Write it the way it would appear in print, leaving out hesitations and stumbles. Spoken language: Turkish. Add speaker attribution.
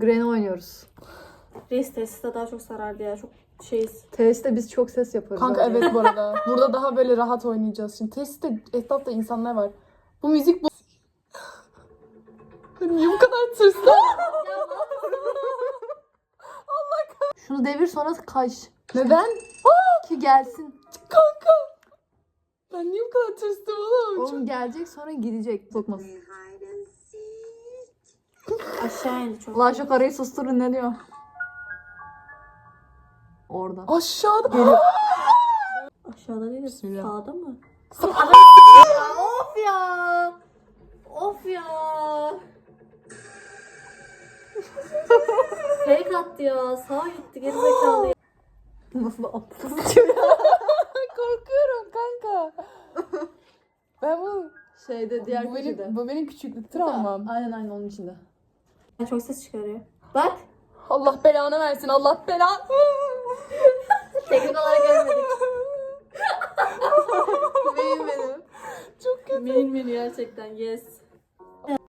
Speaker 1: Granny oynuyoruz.
Speaker 2: Reis tesiste daha çok sarardı ya. Çok şeyiz.
Speaker 1: Tesiste biz çok ses yapıyoruz.
Speaker 3: Kanka
Speaker 1: bence.
Speaker 3: evet bu arada. Burada daha böyle rahat oynayacağız. Şimdi tesiste etrafta insanlar var. Bu müzik bu. Niye bu kadar tırstın?
Speaker 1: Şunu devir sonra kaç.
Speaker 3: Neden?
Speaker 1: Ki gelsin.
Speaker 3: Kanka. Ben niye bu kadar tırstım oğlum?
Speaker 1: Oğlum gelecek sonra gidecek. Sokmaz.
Speaker 2: Aşağı indi çok.
Speaker 1: Allah şu karıyı susturun ne diyor? Orada.
Speaker 3: Aşağıda.
Speaker 1: Geliyor.
Speaker 2: Aşağıda değil de
Speaker 3: Bismillah.
Speaker 2: sağda mı?
Speaker 1: Of ya.
Speaker 2: Of ya. Fake attı ya. Sağa gitti gerizekalı ya.
Speaker 1: Nasıl da aptal.
Speaker 3: Korkuyorum kanka. Ben bu
Speaker 1: Şeyde diğer
Speaker 3: bu
Speaker 1: köşede.
Speaker 3: benim, bu benim küçüklük travmam.
Speaker 1: Aynen onun içinde.
Speaker 2: Çok ses çıkarıyor. Bak.
Speaker 3: Allah belanı versin. Allah belanı.
Speaker 2: Teknik olarak görmedik.
Speaker 1: Benim benim.
Speaker 3: Çok kötü.
Speaker 2: Main menü gerçekten yes.